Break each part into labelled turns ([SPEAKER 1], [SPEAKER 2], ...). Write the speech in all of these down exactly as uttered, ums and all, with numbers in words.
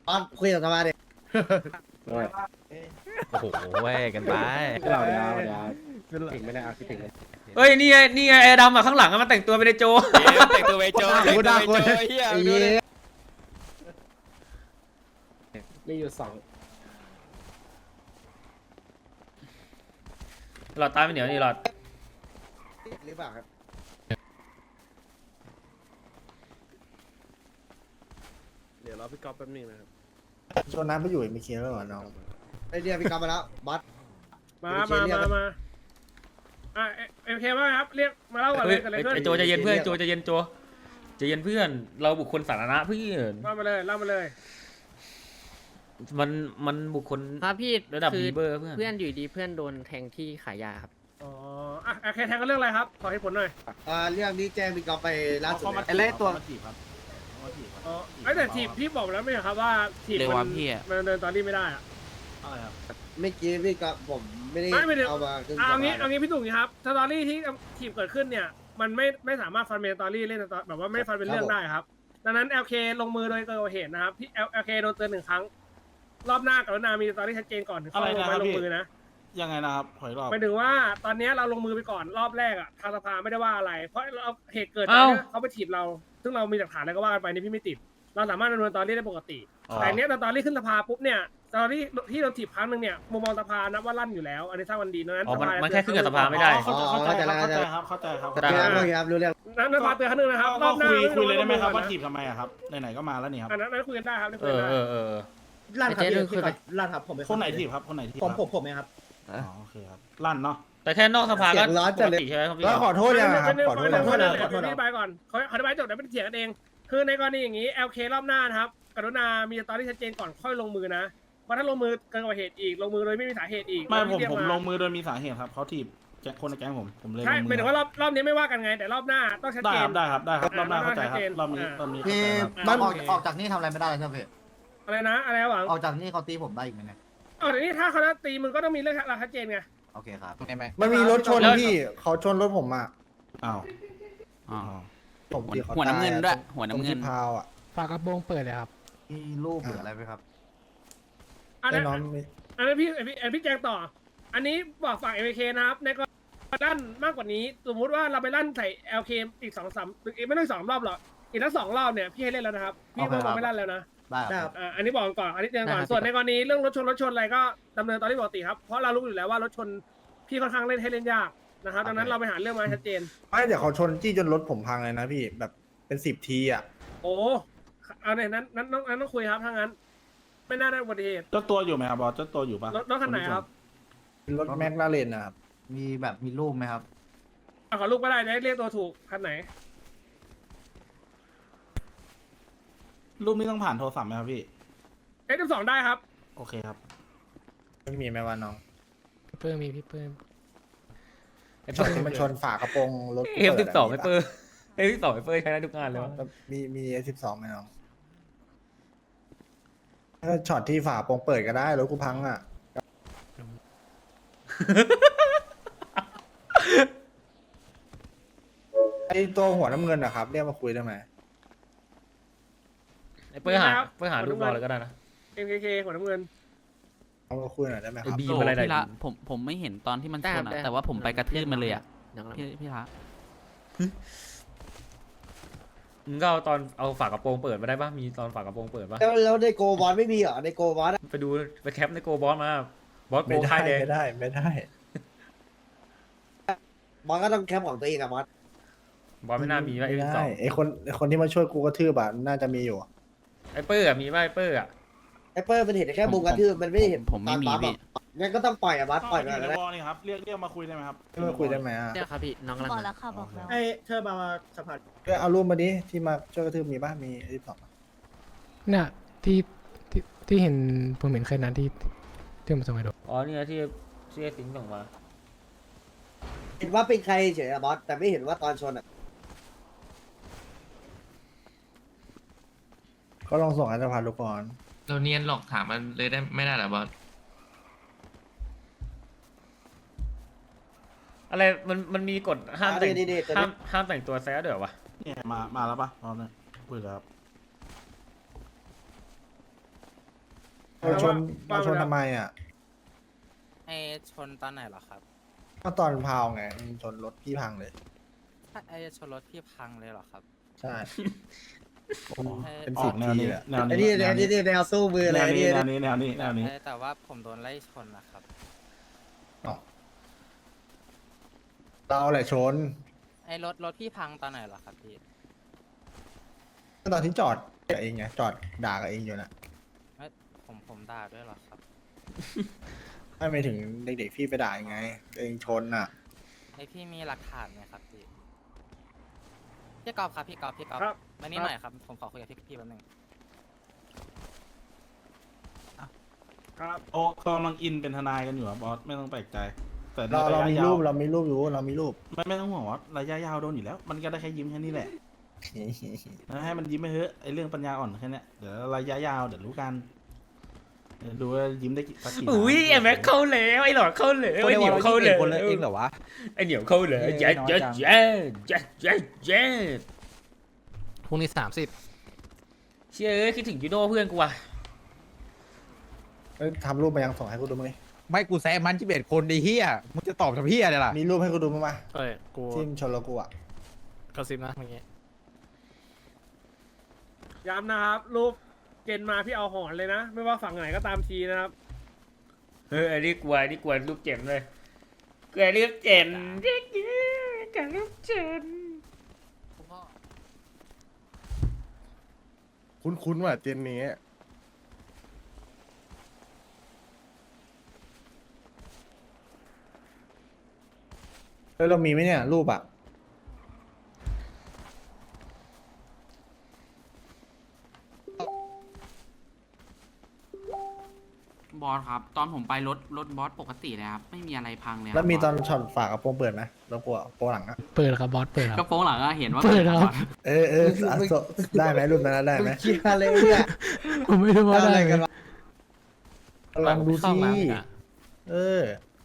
[SPEAKER 1] ตอนคุยกับสมาดิ
[SPEAKER 2] โอ้โหเว้ยกันไป
[SPEAKER 3] เราเดี๋ยวเดี๋ยวถึงไม่ได้เอาคิดถึงเลย
[SPEAKER 4] เอ้ยนี่ไงนี่ไงไอ้ดำอ่ะข้างหลังอะมันแต่งตัวเป็นไอ้โจ
[SPEAKER 2] แต่งตัวไปโจแต่งตัวไปโจเฮีย
[SPEAKER 1] ไอ้
[SPEAKER 2] ดู
[SPEAKER 1] เหี้
[SPEAKER 2] ดิ
[SPEAKER 1] ย
[SPEAKER 3] มีอยู่สอง
[SPEAKER 4] หลอดตาไม่เหนียวนี่หลอด
[SPEAKER 1] หรือเปล่าครับ
[SPEAKER 3] เดี๋ยวรอพี่ก๊อฟแป๊บนึงนะครับ
[SPEAKER 5] ชวนน้ำไปอยู่ไม่เคลียร์แล้วเหรอน้อง
[SPEAKER 1] ไอเดียพี่กลับมาแล้วบัส
[SPEAKER 6] มา มา มา มา อ่ะเอ็มเคว่าครับ เรียกมาเล่าก่อนเลยกันเลย
[SPEAKER 4] ไอ้
[SPEAKER 6] เพื่อน
[SPEAKER 4] ไอ้โจใจะเย็นเพื่อนโจใจะเย็นโจใจะเย็นเพื่อน เราบุคคลสาธารณะเพื่อน
[SPEAKER 6] เล่ามาเลยเล่ามาเลย
[SPEAKER 4] มันมันบุคคล
[SPEAKER 7] ครับพี่
[SPEAKER 4] ระดับ
[SPEAKER 7] คือ
[SPEAKER 4] บีเบอร์เพื่อน
[SPEAKER 7] เพื่อนอยู่ดีเพื่อนโดนแทงที่ขายยาครับ
[SPEAKER 6] อ๋อ อ่ะโอเคแทงกันเรื่องอะไรครับ ขอให้ผลหน่อย
[SPEAKER 1] อ่าเรื่องนี้แจ้งพี่กลับไปล่าสุดเลย
[SPEAKER 3] ไอ้เล่ตัวจีบครับ
[SPEAKER 6] อ๋อไอ้แต่ทีบพี่บอกแล้วไม่ใช่ครับว่าทีบ
[SPEAKER 2] เร็ว
[SPEAKER 6] มั
[SPEAKER 2] ว่ะพี่อะ
[SPEAKER 6] มันเดินตอนนี้ไม่ได้อะ
[SPEAKER 3] อะไรครับ
[SPEAKER 1] เมื่อกี้พี่กลับผมไม่ได้
[SPEAKER 6] ไม่ไม่ได้
[SPEAKER 1] เอามาขึ้น
[SPEAKER 6] เอางี้
[SPEAKER 1] สภ
[SPEAKER 6] เอางี้พี่ตุ๋งครับสตอรี่ที่ทีบเกิดขึ้นเนี่ย มันไม่ไม่สามารถฟันเป็นสตอรี่เล่นสตอแบบว่าไม่ฟันเป็นเรื่องได้ครับ ดังนั้น แอล เค ลงมือโดยเกิดเหตุนะครับพี่ แอล เค โดนเตือนหนึ่งครั้ง รอบหน้ากับนามีสตอรี่ชัดเจนก่อนถึงเข้าลงไปลงมือนะ
[SPEAKER 3] ยังไงนะครับถอยรอบ
[SPEAKER 6] หมายถึงว่าตอนนี้เราลงมือไปก่อนรอบแรกอ่ะทางสภาไม่ได้ว่าอะไร เพราะเราเหตุเกิดจากที่เขาไปถีบเรา ซึ่งเรามีหลักฐานอะไรก็ว่ากันไปนี่พี่ไม่ติด เราสามารถดำเนินตอนนี้ได้ปกติ แต่เนี้ยตอนนี้ขึ้นสภาปุ๊บเนี่ยตอนที่ที่เราถีบครั้งหนึ่งเนี่ยมุมมองสภานับว่าลั่นอยู่แล้ว อันนี้สร้างวันดีนั้น
[SPEAKER 4] อ๋อมัน
[SPEAKER 6] สภา
[SPEAKER 4] มันแค่ขึ้นกับสภาไม่ได้
[SPEAKER 3] เข้าใจเข้าใจเข้าใจครับเข้าใจครับ
[SPEAKER 4] ได้
[SPEAKER 1] เรื่องนี้ครับรู้เรื่อง
[SPEAKER 6] นั้นสภาเตือนครั้งหนึ่งนะครับร
[SPEAKER 3] ก็
[SPEAKER 6] อบหน้า
[SPEAKER 3] คุยคุยเลยได้ไหมครับว่า
[SPEAKER 6] นะ
[SPEAKER 3] ถีบทำไมอะครับไหนๆก็มาแล้วนี่ครับ
[SPEAKER 6] อันนั้นนั้นคุยกันได้ครับได้คุ
[SPEAKER 4] เอย
[SPEAKER 6] กัน
[SPEAKER 4] อ
[SPEAKER 6] ได้
[SPEAKER 4] เออเออ
[SPEAKER 5] ลั่นครับ
[SPEAKER 7] ไอ้เจ๊
[SPEAKER 5] พี่
[SPEAKER 7] คือ
[SPEAKER 5] ครับลั่นครับผมเป็น
[SPEAKER 3] คนไหนถีบครับคนไหนถีบ
[SPEAKER 5] ผมผมผมเองครับ
[SPEAKER 3] อ๋อโอเคครับลั่นเนาะ
[SPEAKER 4] แต่แค่นอกสภาก็
[SPEAKER 1] เสียงร้อน
[SPEAKER 4] ป
[SPEAKER 1] จัด
[SPEAKER 4] ก
[SPEAKER 1] เลย
[SPEAKER 4] ติใช่ไหมครับพี่
[SPEAKER 5] แล้วขอโทษยังครับ
[SPEAKER 6] ไม่
[SPEAKER 5] ขอโทษ
[SPEAKER 6] ไม่
[SPEAKER 5] ยัง
[SPEAKER 6] ไม่ไม่
[SPEAKER 5] ขอโทษ
[SPEAKER 6] ไม่
[SPEAKER 5] นะ
[SPEAKER 6] อธิบายก่อนเขาอธิบายจบแล้วไม่ได้เถียงกันเอง คือในกรณีอย่างนี้ แอล เค รอบหน้านะครับกรุณามีสตอรี่ชัดเจนก่อนค่อยลงมือนะ เพราะถ้าลงมือเกินกว่าเหตุอีก ลงมือโดยไม่มีสาเหตุอีก
[SPEAKER 3] ไม่ผม
[SPEAKER 6] เรียก
[SPEAKER 3] ผมลงมือโดยมีสาเหตุครับเขาถีบแก๊งคนในแก๊งผมผมเลยล
[SPEAKER 6] ใช่
[SPEAKER 3] ง
[SPEAKER 6] ห
[SPEAKER 3] มื
[SPEAKER 6] มายถึงว่ารอบรอบนี้ไม่ว่ากันไง แต่รอบหน้าต้องชัด
[SPEAKER 3] ได้
[SPEAKER 6] เจ
[SPEAKER 3] คน รับได้ครับได้ครับรอบหน้าเข้าใจครับรอบนี้
[SPEAKER 6] อ่า
[SPEAKER 3] รอบนี้เข้า
[SPEAKER 5] พี่
[SPEAKER 3] ใจครับ
[SPEAKER 5] มันออกออกจากนี่ทำอะไรไม่ได้เลยใช่ไหมพี่
[SPEAKER 6] อะไรนะ อะไรนะหวัง
[SPEAKER 5] ออกจากนี่เขาตีผมได้อีกไหมเนี่ย
[SPEAKER 6] อ๋อแต่นี่ถ้าเขาจะตีมึงก็ต้องมีเรื่องราวชัดเจนไง
[SPEAKER 5] โอเคครับ
[SPEAKER 8] มันมีรถชนพี่เขาชนรถผมอ่ะ
[SPEAKER 3] อ้าว
[SPEAKER 2] อ๋อ
[SPEAKER 3] อ้าว
[SPEAKER 8] ผมตีเขา
[SPEAKER 2] หัวน้ำเงิน
[SPEAKER 8] ตา
[SPEAKER 2] ด้วย
[SPEAKER 8] อะ
[SPEAKER 2] หัว
[SPEAKER 8] ตร
[SPEAKER 2] น้ำ
[SPEAKER 8] ง
[SPEAKER 2] เงิ
[SPEAKER 8] ที่
[SPEAKER 2] น
[SPEAKER 8] พาวอ่ะ
[SPEAKER 9] ฝากระโปรงเปิดเลยครับ
[SPEAKER 5] มีรูปหรืออะไรไหมครับ
[SPEAKER 6] อัน
[SPEAKER 8] ไอ้
[SPEAKER 6] นั้น
[SPEAKER 8] น้องมี
[SPEAKER 6] อันนั้นพี่อันพี่อันพี่แจงต่อ อันนี้บอกฝั่ง เอ เค นะครับ ในกรณีลั่นมากกว่านี้ สมมุติว่าเราไปลั่นใส่ แอล เค อีกสองสามอีกไม่ต้องสองรอบหรอก อีกทั้งสองรอบเนี่ยพี่ให้เล่นแล้วนะครับ พี่
[SPEAKER 5] โอเค
[SPEAKER 6] ไม่
[SPEAKER 5] ครับ
[SPEAKER 6] ไม่ลั่นแล้วนะ
[SPEAKER 5] ได้ครับ
[SPEAKER 6] อ่าอันนี้บอกก่อน อันนี้เตือนก่อน
[SPEAKER 7] ได้ครับ
[SPEAKER 6] ส่วนในกรณีเรื่องรถชนรถชนอะไรก็ดำเนินตามที่ปกติครับ เพราะเรารู้อยู่แล้วว่ารถชนพี่ค่อนข้างเล่นให้เล่นยากนะครับ ดังนั้นเราไปหาเรื่องมาให้ชัดเจน
[SPEAKER 8] ไม่เดี๋ยวเขาชนจี้จนรถผมพังเลยนะพี่แบบเป็นสิบทีอ่ะ
[SPEAKER 6] โอ้เอาเนี่ยนั้นนั้นนั้นนั้นต้องคุยครับถ้างั้น ไม่น่าได้อุบัติเหตุ
[SPEAKER 3] เจ้าตัวอยู่ไหมครับบอสเจ้าตัวอยู่ปะ
[SPEAKER 6] รถรถคันไหนครับ
[SPEAKER 8] เป็นรถแม็กลาเรนนะครับ
[SPEAKER 5] มีแบบมีรูปไหมครับ
[SPEAKER 6] อ่ะขอลูกก็ได้จะได้เรียกตัวถูกคันไหน
[SPEAKER 3] รูปนี้ต้องผ่านโทรศัพท์ไหมครับพี่
[SPEAKER 6] เอฟสองได้ครับ
[SPEAKER 3] โอเคครับ
[SPEAKER 8] ไม่มีไหมวะน้อง
[SPEAKER 9] พี่เพิ่มมีพี่เพิ่ม
[SPEAKER 4] ไอ้
[SPEAKER 8] ช็
[SPEAKER 4] เปิ้
[SPEAKER 8] อต
[SPEAKER 4] ล
[SPEAKER 8] ที่มันชนฝากระโปรงรถกู
[SPEAKER 4] เอฟสิบสอง
[SPEAKER 8] ปิ
[SPEAKER 4] ไอ้
[SPEAKER 8] ดะ
[SPEAKER 4] เปิ้ลเอฟสิบสองไอ้เปิ้ลใช้ได้ทุกงานเลยวะ
[SPEAKER 8] มีมีเอสิบสองไหมน้องถ้าช็อตที่ฝาโปรงเปิดก็ได้รถกูพังอ่ะ ไอตัวหัวน้ำเงินนะครับเรียกมาคุยได้ไหม
[SPEAKER 4] ไอ้เปิ้ลหาเปิ้ลหารูปเราเลยก็ได้นะ
[SPEAKER 6] เอ็ม เค เค หัวน้ำเงิน
[SPEAKER 8] เอามาคุยหน่อยได้ไหมค
[SPEAKER 4] ไอ้
[SPEAKER 8] รับ
[SPEAKER 4] บี
[SPEAKER 2] โอ้
[SPEAKER 4] มอะไร
[SPEAKER 2] พี่ละ
[SPEAKER 4] ได้
[SPEAKER 2] ผมผมไม่เห็นตอนที่มันช
[SPEAKER 7] ได้
[SPEAKER 2] น
[SPEAKER 7] ครับ
[SPEAKER 2] อะ
[SPEAKER 7] ได้
[SPEAKER 2] แต่ว่าผมไปกระทืบมันเลยอะ
[SPEAKER 7] ยังรับ
[SPEAKER 2] พี่พี่ละ
[SPEAKER 4] มึงก็เอาตอนเอาฝากระโปรงเปิดมาได้ปะมีตอนฝากระโปรงเปิดปะ
[SPEAKER 1] แล้วแล้วในโกบอลไม่มีเหรอในโกบอล
[SPEAKER 4] ไปดูไปแคปในโกบอสมาบอสโก
[SPEAKER 8] ไม่ได้
[SPEAKER 4] ค่ายแดง
[SPEAKER 8] ไม่ได้ไม่ได้
[SPEAKER 1] บอลก็ต้องแคมป์ของตัวเองอะบอส
[SPEAKER 4] บอสไม่น่ามีว่าเอฟ
[SPEAKER 8] ไม่
[SPEAKER 4] สิบส
[SPEAKER 8] ได้
[SPEAKER 4] อง
[SPEAKER 8] ไอคนไอคนที่มาช่วยกูกระทืบอะน่าจะมีอยู่
[SPEAKER 4] ไอ้เปิ้ลอะมีป่ะไอ้เปิ้ลอะ
[SPEAKER 1] ไอ้เปิ้ลมันเห็นแค่มุมกระทืบมันไม่ได้เห็น
[SPEAKER 2] ผมไม่มี
[SPEAKER 1] ตอนปั๊
[SPEAKER 2] พี่
[SPEAKER 1] อะงั้นก็ต้องปล่อยอะบอสปล่อยไป
[SPEAKER 3] อยู่ใน
[SPEAKER 1] แล้ว
[SPEAKER 3] วอลนี่ครับเรียกเรียกมาคุยได้ไหมครับ
[SPEAKER 8] เรียกมาคุยได้ไหมอ่ะ
[SPEAKER 7] เนี่ยครับพี่น้องกำลัง
[SPEAKER 10] บอก
[SPEAKER 7] มา
[SPEAKER 10] แล้วค่ะบอกแล้ว
[SPEAKER 5] ไอ้เธอมาสภา
[SPEAKER 8] เอ้ยเอารูปมาดิที่มาช่วยกระทืบมีบ้างมีไอสิบสอง
[SPEAKER 9] เนี่ยที่ที่ที่เห็นผมเห็นเคยนั้นที่ที่ผมส่งให้ดู
[SPEAKER 4] อ๋อนี่ไงที่ที่ไอ้สิงห์ส่งมา
[SPEAKER 1] เห็นว่าเป็นใครเฉยอะบอสแต่ไม่เห็นว่าตอนชนอะ
[SPEAKER 8] ก็ลองส่งให้สภาทุกคน
[SPEAKER 11] เราเนียนหลอกถามมันเลยได้ไม่ได้เหรอบอส
[SPEAKER 4] อะไรมันมันมีกฎห้ามแต่ง
[SPEAKER 1] นี่นี่ตัว
[SPEAKER 4] ห้า
[SPEAKER 1] นี้
[SPEAKER 4] มห้ามแต่งตัวแซ่เดี๋ยววะ
[SPEAKER 3] เนี่ยมามาแล้วปะพร้อมเลยคุยแล้วครับ
[SPEAKER 8] เราชนเราชนทำไมอ่ะ
[SPEAKER 7] ไอชนตอนไหนเหรอครับ
[SPEAKER 8] ก็ตอนพาวไงชนรถพี่พังเลย
[SPEAKER 7] ไอชนรถพี่พังเลยเหรอครับ
[SPEAKER 8] ใช่เป็น
[SPEAKER 3] อ
[SPEAKER 8] สิ
[SPEAKER 3] อบ กแนว
[SPEAKER 8] ที
[SPEAKER 3] นี้
[SPEAKER 8] แหละ
[SPEAKER 3] แนว
[SPEAKER 1] ไอ้
[SPEAKER 3] นี้
[SPEAKER 1] นี่
[SPEAKER 3] แน
[SPEAKER 1] ไอ้
[SPEAKER 3] ว
[SPEAKER 1] นี่
[SPEAKER 3] นี้
[SPEAKER 1] แนวสู้มือ
[SPEAKER 3] แน
[SPEAKER 1] เลยว ไอ้
[SPEAKER 3] นี้
[SPEAKER 1] นี่
[SPEAKER 3] แนวนี้แนวนี้แนวนี้
[SPEAKER 7] แต่ว่าผมโดนไล่ชนนะครับ
[SPEAKER 8] เราแหละชน
[SPEAKER 7] ไอรถรถพี่พังตอนไหนเหรอครับพี่
[SPEAKER 8] ก็ตอนที่จอดกับเองไงจอดด่ากับเองอยู่นะ
[SPEAKER 7] ผมผมด่าด้วยเหรอครับ
[SPEAKER 8] ไม่ไปถึงเด็กๆพี่ไปด่ายังไงเองชนอ่ะ
[SPEAKER 7] ไอพี่มีหลักฐานไหมครับพี่พี่กอล์ฟครับพี่กอล์ฟพี่กอล์ฟ
[SPEAKER 6] ครับ
[SPEAKER 7] มานี่หน่อยครับผมขอคุยกับพี่พี่แป๊บนึง
[SPEAKER 6] ครับ
[SPEAKER 3] โอ้กำลังอินเป็นทนายกันอยู่อะบอสไม่ต้องแปลกใจ แต่ใน
[SPEAKER 8] เราเรา
[SPEAKER 3] ระ
[SPEAKER 8] มี
[SPEAKER 3] ยะยา
[SPEAKER 8] รู
[SPEAKER 3] ว
[SPEAKER 8] ปเรามีรูปอยู่เรามีรูป
[SPEAKER 3] ไม่ไม่ต้องห่วงว่าระยะยาวโดนอยู่แล้ว มันก็ได้แค่ยิ้มแค่นี้แหละนะให้มันยิ้มไปเถอะไอเรื่องปัญญาอ่อนแค่เนี้ยเดี๋ยวระยะยาวเดี๋ยวรู้กันเดี๋ยวดูว่ายิ้มได้กี่สักกี่
[SPEAKER 4] อุ้ยไอ้แม็กเข้าแล้วไอ้หลอดเข้าแล้วไอ้เหนียวเข้าแล้ว
[SPEAKER 2] คนละเองเหรอวะ
[SPEAKER 4] ไอ้เหนียวเข้าแล้วเจ๊เจ๊เจ๊เจ๊เจ๊เจ๊
[SPEAKER 9] พรุ่งนี้สามสิบ
[SPEAKER 4] เชื่อเอ้ยคิดถึงยูโน่เพื่อนกูว่ะ
[SPEAKER 8] เอ้ยทำรูปมายังส่งให้กูดูมั้ย
[SPEAKER 2] ไม่กูแซงมันที่เบ็ดคนดีเฮียมึงจะตอบทำเฮียอะไรล่ะ
[SPEAKER 8] มีรูปให้กูดูมั้ยมา
[SPEAKER 9] เอ้ยกู
[SPEAKER 8] ที่มนชนเรากูอ่ะ
[SPEAKER 9] กระซิบนะเมื่อกี้
[SPEAKER 6] ย้ำนะครับรูปเกณฑ์มาพี่เอาหอนเลยนะ ไม่ว่าฝั่งไหนก็ตามทีนะครับ
[SPEAKER 4] เฮ้ยอันนี้กลัวอันนี้กลัวลูกเจ็บเลยกลัวลูกเจ็บเด็กๆกับลูกเจ็บ
[SPEAKER 8] คุ้นๆว่ะเจนนี้แล้วเรามีไหมเนี่ยรูปอ่ะ
[SPEAKER 2] บอสครับ ตอนผมไปรถรถบอสปกติเลยครับ ไม่มีอะไรพังเลยครับ
[SPEAKER 8] แล้วมีตอน
[SPEAKER 2] บส
[SPEAKER 8] ช็อตฝากกระโปรงเปิดไหมแล้วกูอะโปรงหลังอ่ะ
[SPEAKER 9] เปิดครับบอสเปิดค
[SPEAKER 2] ก
[SPEAKER 9] รั
[SPEAKER 2] ระ
[SPEAKER 9] บ
[SPEAKER 2] โปรงหลังก็เห็นว่า
[SPEAKER 9] เปิดครับ
[SPEAKER 8] เออเอออ่ะส่งได้ไหมรูปนั้นนะได้ไหม
[SPEAKER 1] มึงคิดอะไรเนี่ย
[SPEAKER 9] ผมไม่รู้ว่า
[SPEAKER 1] อะไร
[SPEAKER 9] ได้
[SPEAKER 1] กัน
[SPEAKER 9] ไหม
[SPEAKER 1] วะ
[SPEAKER 8] ลองดู
[SPEAKER 9] เข้า
[SPEAKER 8] สิ
[SPEAKER 9] มาอ่ะ
[SPEAKER 8] เออ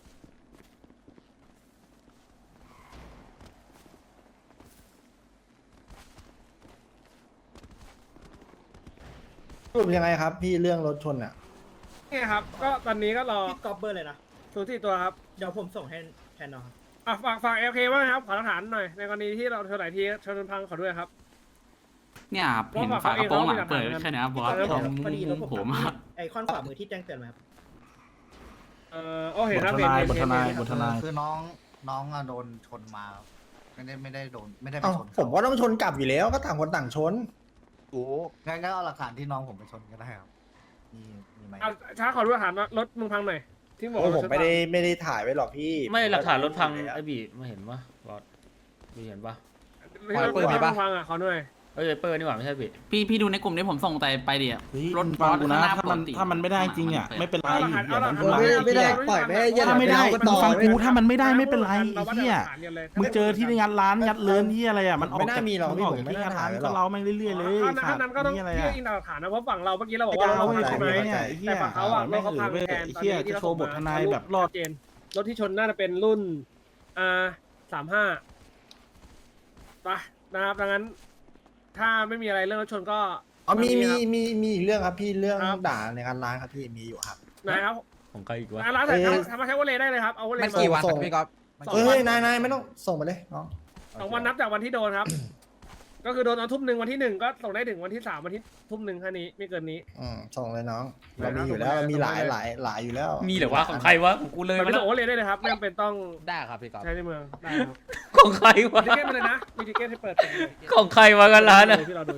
[SPEAKER 8] รูปยังไงครับ พี่เรื่องรถชนอ่ะ
[SPEAKER 6] นี่ครับ ก็ตอนนี้ก็รอ
[SPEAKER 5] พี่กอล์ฟเบอร์เลยนะ
[SPEAKER 6] สูที่ตัวครับ
[SPEAKER 5] เดี๋ยวผมส่งให้แทนน้องครับ
[SPEAKER 6] อ่ะฝากฝากเอลเคว่าไงครับ ขอหลักฐานหน่อย ในกรณีที่เราชนไหนทีชนพังขอด้วยครับ
[SPEAKER 2] เนี่ยครับเห็นฝากระโปรงหลังเปิดแค่เนี้ยบอส
[SPEAKER 6] เออ
[SPEAKER 2] ผม
[SPEAKER 5] พอดีรถผม
[SPEAKER 2] ผม
[SPEAKER 5] ทำ
[SPEAKER 2] อะ
[SPEAKER 5] ไอคอนขวามือที่แจ้งเตือนไหมครับ
[SPEAKER 6] เออโอ้เห็น
[SPEAKER 3] บ
[SPEAKER 6] ค
[SPEAKER 3] ท
[SPEAKER 6] รับ
[SPEAKER 3] ท
[SPEAKER 6] เห็น
[SPEAKER 3] นาย
[SPEAKER 6] เห็น
[SPEAKER 3] บททนาย
[SPEAKER 6] เห็น
[SPEAKER 3] บททนาย
[SPEAKER 5] คือน้องน้องอะโดนชนมา ไม่ได้ไม่ได้โดนไม่ได้ไป
[SPEAKER 8] เอ้า
[SPEAKER 5] ชน
[SPEAKER 8] ผมว่าต้องชนกลับอยู่แล้วก็ต่างคนต่างชน
[SPEAKER 1] โอ้
[SPEAKER 5] งั้นก็เอาหลักฐานที่น้องผมไปชนก็ได้ครับมีมีไหม
[SPEAKER 6] เอาช้าขอดูหลักฐานว่ารถมึงพังหน่อย ที่บอก
[SPEAKER 8] โอ้
[SPEAKER 6] ว่า
[SPEAKER 8] ผม
[SPEAKER 6] รถ
[SPEAKER 8] ไม่ได้
[SPEAKER 6] พัง
[SPEAKER 8] ไม่ได้ถ่ายไว้หรอกพี่
[SPEAKER 4] ไม่หลักฐานรถพัง
[SPEAKER 8] อยู่แล้ว
[SPEAKER 4] ไอ้บีไม่เห็นปะบอสบีเห็นปะ
[SPEAKER 6] ไม่ใช่รถ
[SPEAKER 2] เปิดไหมปะ
[SPEAKER 6] พังอ่ะขอหน่อย
[SPEAKER 4] เอ้ยเปิดนี่หว่าไม่ใช่บี
[SPEAKER 2] พี่พี่ดูในกลุ่มที่ผมส่งไปไปดิอะ
[SPEAKER 3] เฮ้ย
[SPEAKER 2] รถบ
[SPEAKER 3] ฟั
[SPEAKER 2] อง ส
[SPEAKER 3] กูนะ
[SPEAKER 2] ข้างหน้า
[SPEAKER 3] ถ้ามัน
[SPEAKER 2] ปกติ
[SPEAKER 3] ถ้ามันไม่ได้จริงอ่ะ
[SPEAKER 2] มันเปิด
[SPEAKER 3] ไม่เป็นไร
[SPEAKER 6] เอาหลักฐาน
[SPEAKER 3] อย่า
[SPEAKER 6] เอาหลัก
[SPEAKER 3] ทำ
[SPEAKER 6] ฐาน
[SPEAKER 3] ร้าย
[SPEAKER 1] ไม่ได้ไม่ได้ปล่อยไม่ได้อย่า
[SPEAKER 3] ถ้าไม่ได้
[SPEAKER 1] ป
[SPEAKER 3] มึ
[SPEAKER 1] ต่
[SPEAKER 3] ง
[SPEAKER 1] อ
[SPEAKER 3] ฟัง
[SPEAKER 1] เลย
[SPEAKER 3] กูถ้ามันไม่ได้ไม่เป็นไร
[SPEAKER 6] เรา
[SPEAKER 3] ไอ้
[SPEAKER 6] ว่า
[SPEAKER 3] เหี้ย
[SPEAKER 6] หลักฐานกันเลย
[SPEAKER 3] มึงเจอที่งัดร้านงัดเลินที่อะไรอ่ะมันออก
[SPEAKER 8] ไม่น่า
[SPEAKER 3] จาก
[SPEAKER 8] มีหรอก
[SPEAKER 3] มัน
[SPEAKER 8] พี่
[SPEAKER 3] ออก
[SPEAKER 8] ผม
[SPEAKER 3] จาก
[SPEAKER 8] ไม่
[SPEAKER 3] ที่
[SPEAKER 8] น่า
[SPEAKER 3] งัดร้าน
[SPEAKER 8] ถ่ายหร
[SPEAKER 3] ก็
[SPEAKER 8] อก
[SPEAKER 3] เราไม่เรื่อยๆเลย
[SPEAKER 6] ถ้านั้นก็ต้อง
[SPEAKER 3] นี่อะไร
[SPEAKER 6] เรีย
[SPEAKER 3] อ่ะ
[SPEAKER 6] กอินหลักฐานนะเพราะฝั่งเราเมื่อกี้เราบอกว่า
[SPEAKER 3] เอา
[SPEAKER 6] เรา
[SPEAKER 3] เว้ย
[SPEAKER 6] ใช่ไหม
[SPEAKER 3] เนี่ยไอ้เหี้
[SPEAKER 6] แต่
[SPEAKER 3] ย
[SPEAKER 6] ฝั่งเขาอ่ะรถเขาพัง
[SPEAKER 3] เว้ย
[SPEAKER 6] แทน
[SPEAKER 3] ไอ้
[SPEAKER 6] ตอน
[SPEAKER 3] เหี้ย
[SPEAKER 6] นี้ที่
[SPEAKER 3] จะ
[SPEAKER 6] เรา
[SPEAKER 3] โชว์บททนายแบบรอด
[SPEAKER 6] เจนรถที่ชนน่าจะเป็นรุ่นอ่าสามห้าไปนะครับดังนั้น ถ้าไม่มีอะไรเรื่องรถชนก็
[SPEAKER 8] อ๋อมีมี
[SPEAKER 6] ครับ
[SPEAKER 8] มีมีอีกเรื่องครับพี่เรื่อง
[SPEAKER 6] ครับ
[SPEAKER 8] ด่าในการร้านครับพี่มีอยู่ครับ
[SPEAKER 6] นะครับ
[SPEAKER 4] ของใครอีกวะ
[SPEAKER 6] อ่ะร้านไหน
[SPEAKER 8] เอ่อ
[SPEAKER 6] ทำมาใช้วอลเลย์ได้เลยครับเอาวอลเล
[SPEAKER 2] มัน
[SPEAKER 6] ย์มา
[SPEAKER 2] กี่วัน
[SPEAKER 8] ส่ง
[SPEAKER 2] พี่ก๊อฟ
[SPEAKER 6] สอง
[SPEAKER 8] เฮ้
[SPEAKER 6] วัน
[SPEAKER 8] ยนายนายไม่ต้องส่งไปเลยน้อง
[SPEAKER 6] สองวันนับจากวันที่โดนครับ ก็คือโดนตอนทุ่มหนึ่งวันที่หนึ่งก็ส่งได้ถึงวันที่สามวันที่ทุ่มหนึ่งแค่นี้ไม่เกินนี้
[SPEAKER 8] อืมส่งเลยน้อง
[SPEAKER 6] ได้
[SPEAKER 8] เรา
[SPEAKER 6] ครับ
[SPEAKER 8] มีอยู่แล้ว
[SPEAKER 6] ส่งไป
[SPEAKER 8] เรามีหลาย
[SPEAKER 6] ส่งไป
[SPEAKER 8] หลายหลายอยู่แล้ว
[SPEAKER 4] มีเหรือวะของใครวะของกูเลย
[SPEAKER 6] แต่
[SPEAKER 4] มา
[SPEAKER 6] ไม่
[SPEAKER 4] แล้
[SPEAKER 6] ส่ง
[SPEAKER 4] ว
[SPEAKER 6] วอลเลย์ได้เลยครับไม่จำเป็นต้อง
[SPEAKER 2] ได้ครับพี่ก๊อฟ
[SPEAKER 6] ใช้ในเมืองได้ครับ
[SPEAKER 4] ของใครวะ
[SPEAKER 6] มีทิเก็ตมาเลยนะมีทิเก็ตให้เปิดเลย
[SPEAKER 4] ของใครวะกันร้านอ่ะ
[SPEAKER 6] ที่เราดู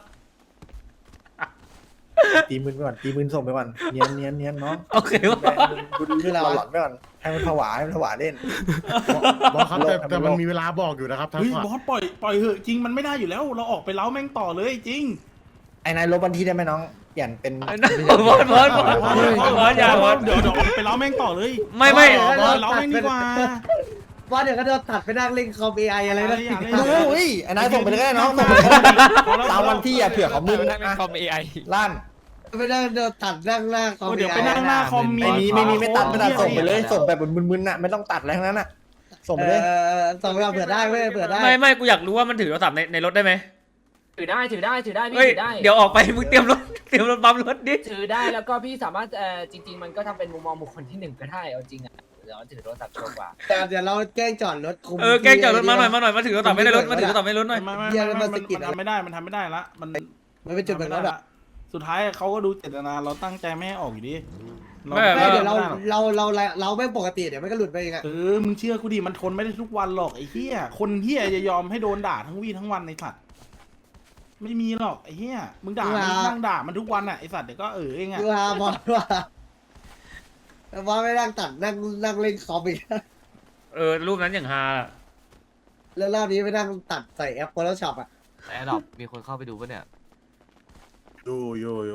[SPEAKER 8] ตีมือไปก่อนตีมือส่งไปก่อนเนียนเนียนเนียนน้อง
[SPEAKER 4] โอเควะ
[SPEAKER 8] ดูดูหลอนไปก่อนให้มันผวาให้มันผวาเล่น
[SPEAKER 10] บอสครับแต่แต่มันมีเวลาบอกอยู่นะครับทั้ง
[SPEAKER 3] เฮ้ย
[SPEAKER 10] ฝั่ง
[SPEAKER 3] บอสปล่อยปล่อยเหอะจริงมันไม่ได้อยู่แล้ว เราออกไปเล้าแม่งต่อเลยจริง
[SPEAKER 8] ไอ้นายลบวันที่ได้ไหมน้องเปลี่ยนเป็น
[SPEAKER 4] บอสบอสบอสบอสบอสอย่าบอส
[SPEAKER 3] เดี๋ยวเดี๋ยวออกไปเล้าแม่งต่อเลย
[SPEAKER 4] ไม่ไม่
[SPEAKER 3] บอสเล้าแม่งดีกว่า
[SPEAKER 1] ว่าเดี๋ยวก็โดนตัดไปนั่งเล่นคอมเอไออะไรนะ
[SPEAKER 3] อย่าเลย
[SPEAKER 8] ดูเฮ้ยไอ้นายส่งไปเลยก็ได้น้องส่งไปเลยก็ได้ตามวันที่อ่ะเผื่อเขามึน
[SPEAKER 2] ได้เป็น
[SPEAKER 8] นะ
[SPEAKER 2] คอมเอไอ
[SPEAKER 8] ลั่น
[SPEAKER 1] ไปนั่งโดนตัดนั่งหน้าคอม
[SPEAKER 3] เดี๋
[SPEAKER 1] เอ
[SPEAKER 3] ยว
[SPEAKER 1] ไอ
[SPEAKER 3] ไปนั่งหน้าคอม
[SPEAKER 8] ไม่มีไม่มีไม่ตัดไม่ตัดส่งไปเลยส่งแบบมึนๆน่ะไม่ต้องตัดอะไรทั้งนั้นน่ะส่งไปเลย
[SPEAKER 1] เออส่งไปเอาเผื่อได้เว้ยเผื่อได้
[SPEAKER 4] ไม่ไม่กูอยากรู้ว่ามันถือโทรศัพท์ในในรถได้ไหม
[SPEAKER 7] ถือได้ถือได้ถือได้พี่
[SPEAKER 4] เฮ้ย
[SPEAKER 7] ถือได้
[SPEAKER 4] เดี๋ยวออกไปมึงเตรียมรถเตรียมรถปั๊มรถดิ
[SPEAKER 7] ถือได้แล้วก็พี่สามารถเอ่อจริง ๆ มันก็ทำเป็นมุมมองบุคคลที่หนึ่งก็ได้เอาจริงอ่ะเดี๋ยวถือโทรศัพท์โชว์กว่า
[SPEAKER 1] แต่เดี๋ยวเราแกล้งจอดรถคุม
[SPEAKER 4] เออแกล้งจอดรถมาหน่อยมาหน่อยมาถือกระเป๋าไม่ได้รถมาถือกระเป๋าไม่ได้รถหน่อย
[SPEAKER 3] ไม่ไม่
[SPEAKER 1] เหี้ย
[SPEAKER 3] ไม่
[SPEAKER 1] แล้วมั
[SPEAKER 3] ไม่
[SPEAKER 1] น
[SPEAKER 3] มัน
[SPEAKER 1] สะกิด
[SPEAKER 3] มันทำไม่ได้มันทำไม่ได้ละมัน
[SPEAKER 1] มันเป็นจุดเหมือนรถอะ
[SPEAKER 3] สุดท้ายเขาก็ดูเจตนาเราตั้งใจไม่ให้ออกอยู่ดี
[SPEAKER 4] ไม่แบบ
[SPEAKER 1] ไม่
[SPEAKER 4] ว่า
[SPEAKER 1] เดี๋ยวเราเราเราเราเราไม่ปกติเดี๋ยวมันก็หลุดไปเองอะ
[SPEAKER 3] เออมึงเชื่อกูดิมันทนไม่ได้ทุกวันหรอกไอ้เหี้ยคนเหี้ยจะยอมให้โดนด่าทั้งวี่ทั้งวันในสัตว์ไม่มีหรอกไอ้เหี้ยมึงด่ามึงนั่งด่ามันทุกวันอ่ะไอ้สัตว์เดี๋ยวก็เออเองอ่ะ
[SPEAKER 1] ดูฮาบอสว่าบอสไม่นั่งตัดนั่งนั่งเล่นคอมอีก
[SPEAKER 4] เออรูปนั้นอย่างฮาอะ
[SPEAKER 1] แล้วรอบนี้ไม่นั่งตัดใส่แอป Photoshop อะ
[SPEAKER 11] แอร์ดรอปมีคนเข้าไปดูปะเนี่ย
[SPEAKER 10] ดูอยู่อยู่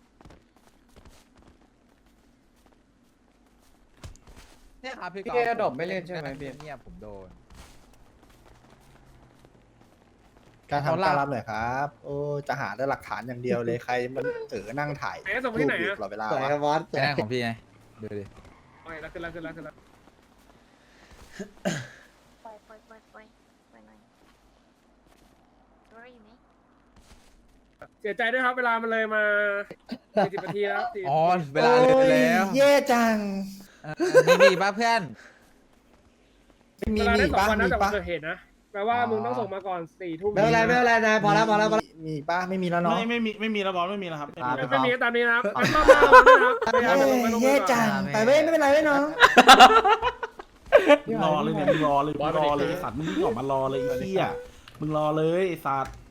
[SPEAKER 8] เนี่ยครับพี่แกดอกไม่เล่นใช่ไหมพี่เนี่ยผมโดน การทำการรับหน่อยครับ โอ้จะหาได้หลักฐานอย่างเดียวเลยใครมันเออนั่งถ่าย
[SPEAKER 6] ไหนส่งไปที่ไหน
[SPEAKER 8] รูปอยู่
[SPEAKER 6] อะ
[SPEAKER 8] ตลอดเวลา
[SPEAKER 1] สวย
[SPEAKER 8] วะ
[SPEAKER 1] ครับบอสสวย
[SPEAKER 8] ของพี่ไงดูดิ
[SPEAKER 6] โอเคแล้วขึ้นแล้วขึ้นแล้วขึ้นแล้ว
[SPEAKER 12] ปล่อยปล่อยปล่อยปล่อยปล่อยหน่อยรออยู่ไหม
[SPEAKER 6] เสียใจด้วยครับเวลามันเลยมาสี่สิบนาทีแล้ว40
[SPEAKER 8] อ๋อเวลาเลยแล้วแย่จังมีมีป่ะเพื่อนมี
[SPEAKER 6] เวลา
[SPEAKER 8] มี
[SPEAKER 6] ได้สอง
[SPEAKER 8] ป่ะ
[SPEAKER 6] วันนะ
[SPEAKER 8] มี
[SPEAKER 6] จากวัน
[SPEAKER 8] ป่ะ
[SPEAKER 6] เกิดเหตุนะแปลว่ามึงต้องส่งมาก่อนสี่ทุ่ม
[SPEAKER 1] ไม่เป็นไรไม่เป็นไรนายพอแล้วพอแล้วพอแล้ว
[SPEAKER 8] มีป่ะไม่มีแล้วเนาะ
[SPEAKER 3] ไม่ไม่มีไม่มีแล้วบอลไม่มีแล้วครับไม่มี
[SPEAKER 6] ไม่
[SPEAKER 3] แล้ว
[SPEAKER 6] ไม่มีก็ตามนี้นะครับงั้นมามาวันนี้นะครับพยายามจะลงไปลงมื
[SPEAKER 8] แย่
[SPEAKER 6] อก่อน
[SPEAKER 8] จังไปเว้ยไม่เป็นไรเว้ยน้อง
[SPEAKER 3] มึงรอเลยเนี่ยมึงรอเลยมึงรอเลยไอ้สัตว์มึงวิ่งออกมารอเลยไอ้เหี้ยมึงรอเลยไอ้สัตว์